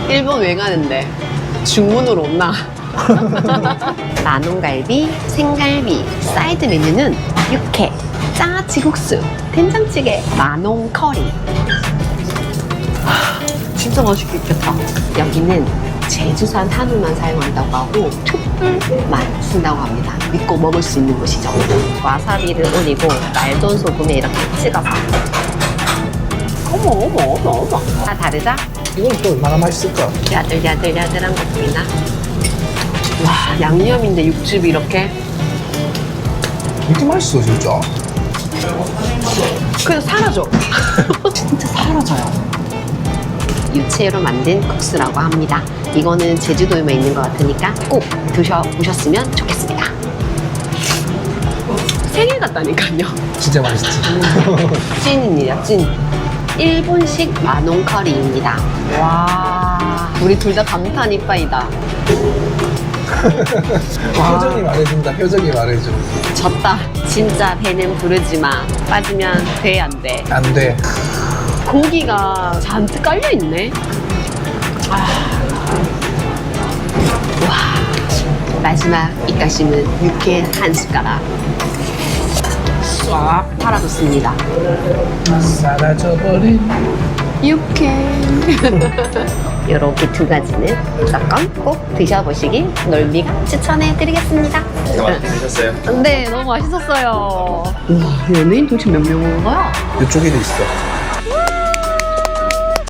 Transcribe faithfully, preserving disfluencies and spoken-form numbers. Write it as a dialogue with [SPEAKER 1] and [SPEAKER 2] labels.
[SPEAKER 1] 일본 왜 가는데? 중문으로 온나? 만원갈비, 생갈비, 사이드 메뉴는 육회, 짜지국수, 된장찌개, 만원 커리. 진짜 맛있겠다. 여기는 제주산 한우만 사용한다고 하고 툭불만 쓴다고 합니다. 믿고 먹을 수 있는 곳이죠. 와사비를 올리고 말돈 소금에 이렇게 찍어서. 어머 어머 어머 어머. 다 다르죠?
[SPEAKER 2] 이건 또 얼마나 맛있을까?
[SPEAKER 1] 야들야들야들한 거 보이나? 와, 양념인데 육즙이 이렇게.
[SPEAKER 2] 이렇게 맛있어 진짜.
[SPEAKER 1] 그냥 사라져. 진짜 사라져요. 유채로 만든 국수라고 합니다. 이거는 제주도에만 있는 것 같으니까 꼭 드셔보셨으면 좋겠습니다. 생일 같다니까요.
[SPEAKER 2] 진짜 맛있지.
[SPEAKER 1] 찐입니다, 찐. 일본식 만원 커리입니다. 와, 우리 둘 다 감탄 이빠이다.
[SPEAKER 2] 표정이 말해준다. 표정이 말해줘.
[SPEAKER 1] 졌다. 진짜 배는 부르지마. 빠지면 돼, 안 돼.
[SPEAKER 2] 안 돼.
[SPEAKER 1] 고기가 잔뜩 깔려있네. 아. 와. 마지막 입가심은 육회 한 숟가락. 싹 팔아줬습니다.
[SPEAKER 2] 사라져버린
[SPEAKER 1] 육회. 이렇게 두 가지는 무조건 꼭 드셔보시길 놀미가 추천해드리겠습니다.
[SPEAKER 3] 맛있게 드셨어요?
[SPEAKER 1] 네, 너무 맛있었어요. 와, 연예인 도대체 몇 명 온 거야?
[SPEAKER 2] 이쪽에도 있어.